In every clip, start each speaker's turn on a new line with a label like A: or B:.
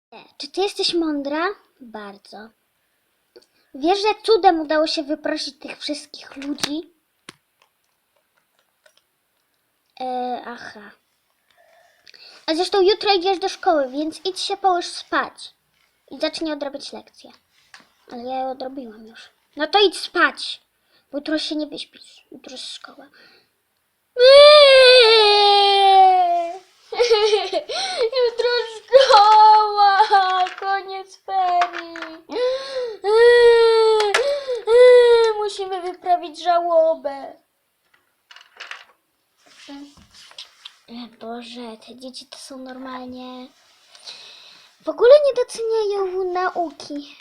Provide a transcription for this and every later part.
A: Czy ty jesteś mądra? Bardzo. Wiesz, że cudem udało się wyprosić tych wszystkich ludzi? Aha. A zresztą jutro idziesz do szkoły, więc idź się połóż spać. I zacznij odrabiać lekcje. Ale ja je odrobiłam już. No to idź spać. Bo jutro się nie wyśpisz. Jutro jest szkoła. Jutro szkoła. Koniec ferii. Musimy wyprawić żałobę. Boże, te dzieci to są normalnie... W ogóle nie doceniają nauki.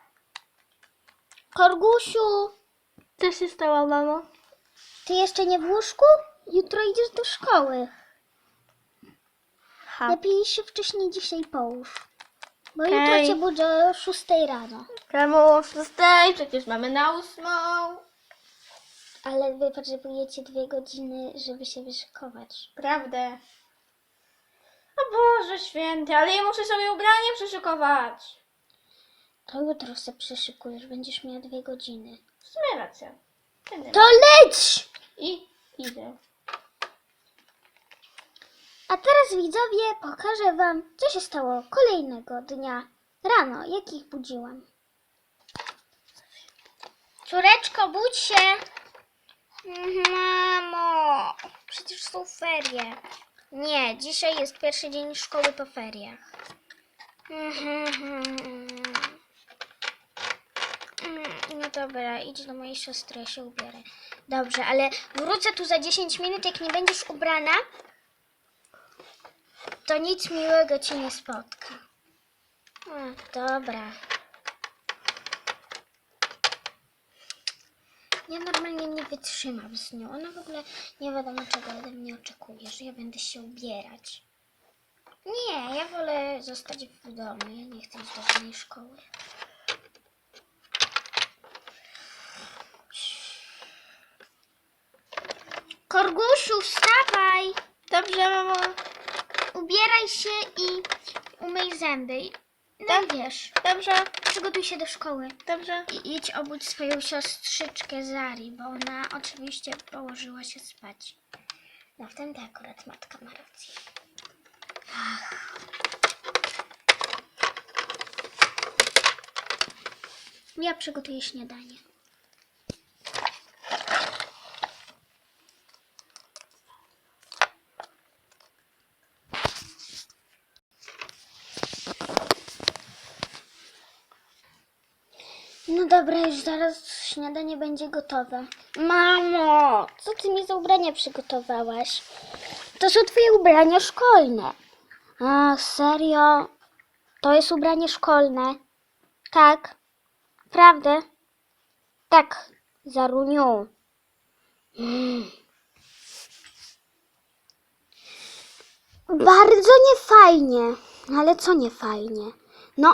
A: Korgusiu,
B: Co się stało, mamo?
A: ty jeszcze nie w łóżku? Jutro idziesz do szkoły. Lepiej się wcześniej dzisiaj połóż. Bo jutro cię budzę o 6 rano.
B: Czemu o 6? Przecież mamy na 8.
A: Ale wy potrzebujecie 2 godziny, żeby się wyszykować.
B: Prawdę. O Boże święty, ale ja muszę sobie ubranie przyszykować.
A: To jutro się przyszykujesz, będziesz miała 2 godziny.
B: W sumie racja. Będę
A: To leć!
B: I idę.
A: A teraz widzowie pokażę wam, co się stało kolejnego dnia rano, jak ich budziłam. Córeczko, budź się! Mamo, przecież są ferie. Nie, dzisiaj jest pierwszy dzień szkoły po feriach. No dobra, idź do mojej siostry, ja się ubierę. Dobrze, ale wrócę tu za 10 minut, jak nie będziesz ubrana, to nic miłego cię nie spotka. Dobra. Ja normalnie nie wytrzymam z nią. Ona w ogóle nie wiadomo czego ode mnie oczekuje, że ja będę się ubierać. Nie, ja wolę zostać w domu. Ja nie chcę iść do żadnej szkoły. Korgusiu, wstawaj!
B: Dobrze, mamo.
A: Ubieraj się i umyj zęby. No i wiesz,
B: Dobrze,
A: przygotuj się do szkoły.
B: dobrze.
A: I idź obudź swoją siostrzyczkę Zari, bo ona oczywiście położyła się spać. No w tym to akurat matka ma rację. Ja przygotuję śniadanie. No dobra, już zaraz śniadanie będzie gotowe. Mamo, co ty mi za ubrania przygotowałaś? To są twoje ubrania szkolne. A, serio? To jest ubranie szkolne? Tak. Prawda? Tak, Zaruniu. Bardzo niefajnie. Ale co niefajnie? No...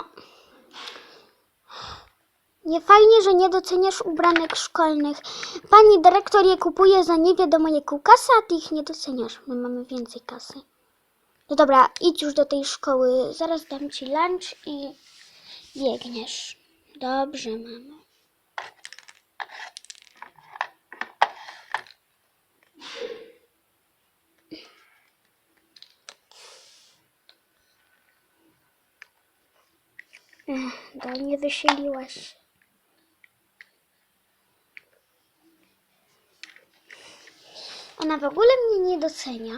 A: Nie fajnie, że nie doceniasz ubranek szkolnych. Pani dyrektor je kupuje za nie wiadomo jaką kasę, a ty ich nie doceniasz. My mamy więcej kasy. No dobra, idź już do tej szkoły. Zaraz dam ci lunch i biegniesz. Dobrze, mamo. Nie wysiliłaś. Ona w ogóle mnie nie docenia.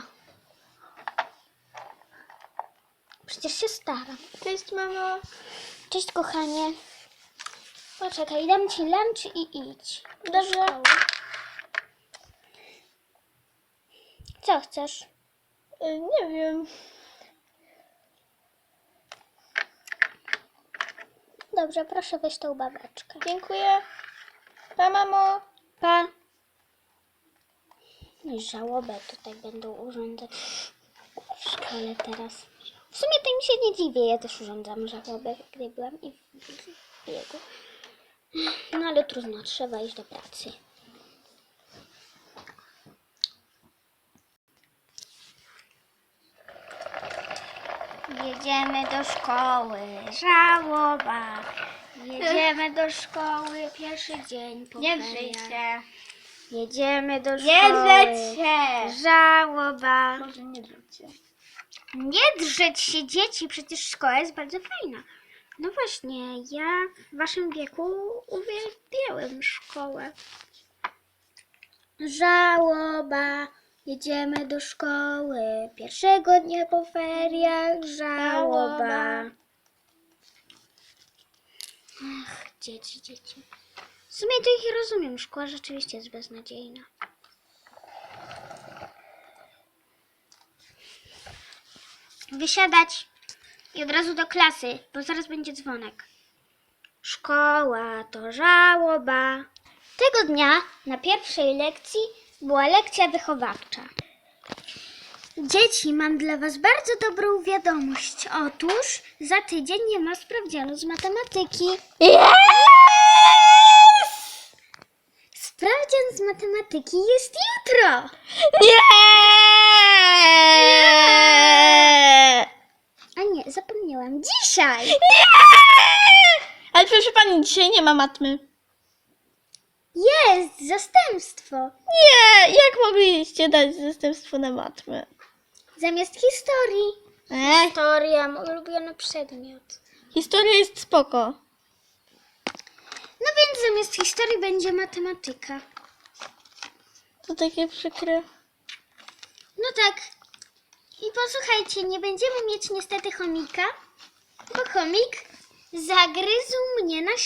A: Przecież się staram.
B: Cześć, mamo.
A: Cześć, kochanie. Poczekaj, dam ci lunch i idź.
B: Dobrze.
A: Co chcesz?
B: Nie wiem.
A: Dobrze, proszę weź tą babeczkę.
B: Dziękuję. Pa, mamo.
A: Pa. I żałobę tutaj będą urządzać w szkole teraz. W sumie to im się nie dziwię, ja też urządzam żałobę, gdy byłam i w biegu. No ale trudno, trzeba iść do pracy. Jedziemy do szkoły, żałoba. Jedziemy do szkoły, pierwszy dzień po
B: Nie
A: feriach.
B: drzejcie.
A: Jedziemy do
B: Nie
A: szkoły,
B: drzecie.
A: żałoba.
B: Może nie drzecie.
A: Nie drzeć się dzieci, przecież szkoła jest bardzo fajna. No właśnie, ja w waszym wieku uwielbiałem szkołę. Żałoba, jedziemy do szkoły, pierwszego dnia po feriach, żałoba. Ach, dzieci. W sumie to ich rozumiem, szkoła rzeczywiście jest beznadziejna. Wysiadać i od razu do klasy, bo zaraz będzie dzwonek. Szkoła to żałoba. Tego dnia na pierwszej lekcji była lekcja wychowawcza. Dzieci, mam dla was bardzo dobrą wiadomość. Otóż za tydzień nie ma sprawdzianu z matematyki. Sprawdzian z matematyki jest jutro. A nie, zapomniałam. Dzisiaj!
B: Ale proszę pani, dzisiaj nie ma matmy.
A: Jest zastępstwo.
B: Nie, jak mogliście dać zastępstwo na matmę?
A: Zamiast historii. Historia, mój ulubiony przedmiot.
B: Historia jest spoko.
A: No więc zamiast historii będzie matematyka.
B: To takie przykre.
A: No tak. I posłuchajcie, nie będziemy mieć niestety chomika, bo chomik zagryzł mnie na